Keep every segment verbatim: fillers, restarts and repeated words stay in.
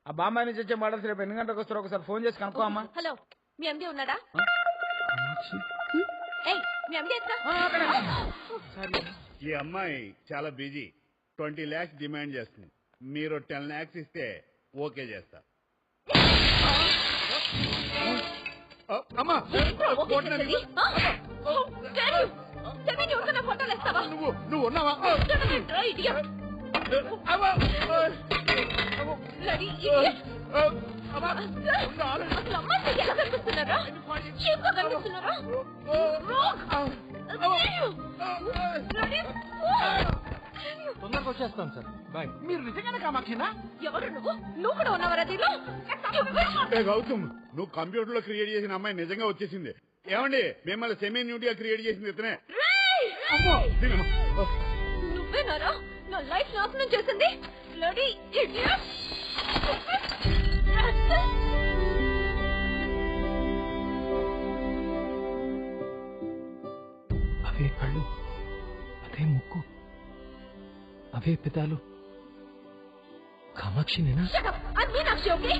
ఆ బాంబాయి నుంచి వచ్చే మోడల్స్ రేపు ఎన్ని గంటలకు వస్తారో ఒకసారి ఫోన్ చేసి కనుక్కో అమ్మా. హలో, మీ ఎండి ఉన్నాడా? ఏయ్, మీ ఎండి ఎక్కడ? ఈ అమ్మాయి చాలా బిజీ, ట్వంటీ ల్యాక్స్ డిమాండ్ చేస్తుంది. మీరు టెన్ ల్యాక్స్ ఇస్తే ఓకే చేస్తా. అమ్మా నువ్వు నువ్వు ఉన్నావా? తొందరగా వచ్చేస్తాం సార్. బాయ్. మీరు నిజంగానే కామాక్షినా? ఎవరు నువ్వు? నువ్వు కూడా ఉన్నావరా దీనిలో? గౌతమ్, నువ్వు కంప్యూటర్ లో క్రియేట్ చేసిన అమ్మాయి నిజంగా వచ్చేసింది. ఏమండి, మిమ్మల్ని సెమీ న్యూటీగా క్రియేట్ చేసింది ఇతనే. నువ్వేనారా నా లైఫ్ నాశనం చేసింది? Bloody idiot! అవే కళ్ళు, అదే ముక్కు, అవే పెదాలు. కామాక్షినేనా? Shut up! I'm Meenakshi, okay?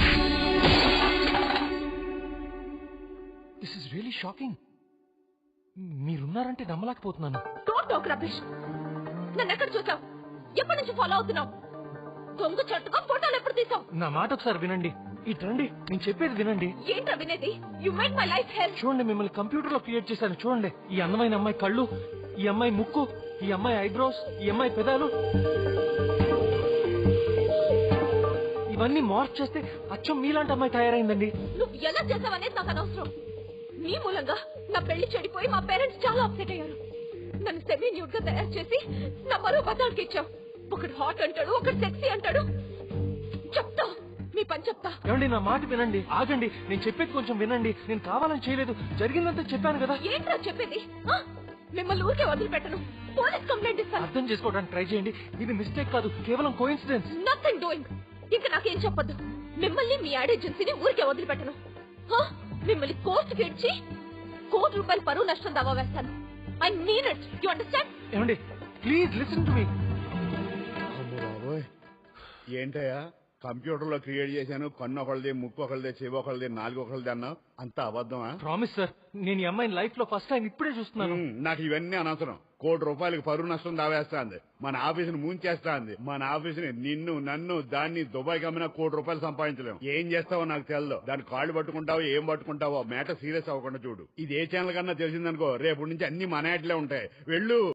This is really shocking. మీరున్నారంటే నమ్మలేకపోతున్నాను. Don't talk rubbish. నన్ను ఎక్కడ చూసావు? ఎప్పటి నుంచి ఫాలో అవుతున్నావు? దొంగ చట్టుగా ఫోటోలు ఎప్పుడు తీసావు? నా మాట ఒకసారి వినండి. ఇట్రండి, నేను చెప్పేది వినండి. ఏంట్రా వినేది? You made my life hell. చూడండి, మిమ్మల్ని కంప్యూటర్ లో క్రియేట్ చేశాను. చూడండి, ఈ అందమైన అమ్మాయి కళ్ళు, ఈ అమ్మాయి ముక్కు, ఈ అమ్మాయి ఐబ్రోస్, ఈ అమ్మాయి పెదాలు, ఇవన్నీ మార్క్ చేస్తే అచ్చం మీలాంటి అమ్మాయి తయారైందండి. నువ్వు ఎలా చేసావనేది నాకు అనవసరం. నీ మూలంగా నా పెళ్లి చెడిపోయి మా పేరెంట్స్ చాలా అప్సెట్ అయ్యారు. నన్ను సెమీ న్యూడ్ గా తయారు చేసి నా మరో బతాడికి ఇచ్చావు. ఒకడు హాట్ అంటాడు, ఒకడు సెక్సీ అంటాడు. చెప్తా, మీ పని చెప్తా. ఏమండి, నా మాట వినండి. ఆగండి, నేను చెప్పేది కొంచెం వినండి. నేను కావాలని చేయలేదు, జరిగిందంతా చెప్పాను కదా. ఏంట్రా చెప్పేది? ఆ? మిమ్మల్ని ఊరికే వదిలిపెట్టను. పోలీస్ కంప్లైంట్ ఇస్తాను. అర్థం చేసుకోవడానికి ట్రై చేయండి. ఇది మిస్టేక్ కాదు, కేవలం కోఇన్సిడెన్స్. Nothing doing. ఇంకా నాకేం చెప్పొద్దు. మిమ్మల్ని మీ యాడ్ ఏజెన్సీని ఊరికే వదిలిపెట్టను. ఆ? మిమ్మల్ని కోర్టుకి ఇచ్చి కోటి రూపాయలు పరువు నష్టం దావా వేస్తాను. I mean it. You understand? ఏమండి, ప్లీజ్ లిసన్ టు మీ. ఏంటయ్యా, కంప్యూటర్ లో క్రియేట్ చేశాను, కన్ను ఒకళ్ళది, ముక్కు ఒకళ్ళది, చెవి ఒకళ్ళది, నాలుగు ఒకళ్ళది అన్నావు. అంత అబద్ధమా? ప్రామిస్ సార్, నేను ఈ అమ్మాయిని లైఫ్ లో ఫస్ట్ టైం ఇప్పుడే చూస్తున్నాను. నాకు ఇవన్నీ అనవసరం. కోటి రూపాయలకి పరువు నష్టం దావేస్తా అంది. మన ఆఫీసుని ముంచేస్తా అంది. మన ఆఫీసుని, నిన్ను నన్ను దాన్ని దుబాయ్ కమ్మినా కోటి రూపాయలు సంపాదించలేము. ఏం చేస్తావో నాకు తెలదు. దాని కాళ్ళు పట్టుకుంటావో ఏం పట్టుకుంటావో మ్యాటర్ సీరియస్ అవ్వకుండా చూడు. ఇది ఏ ఛానల్ కన్నా తెలిసిందనుకో, రేపు నుంచి అన్ని మన యాడ్లే ఉంటాయి. వెళ్ళు.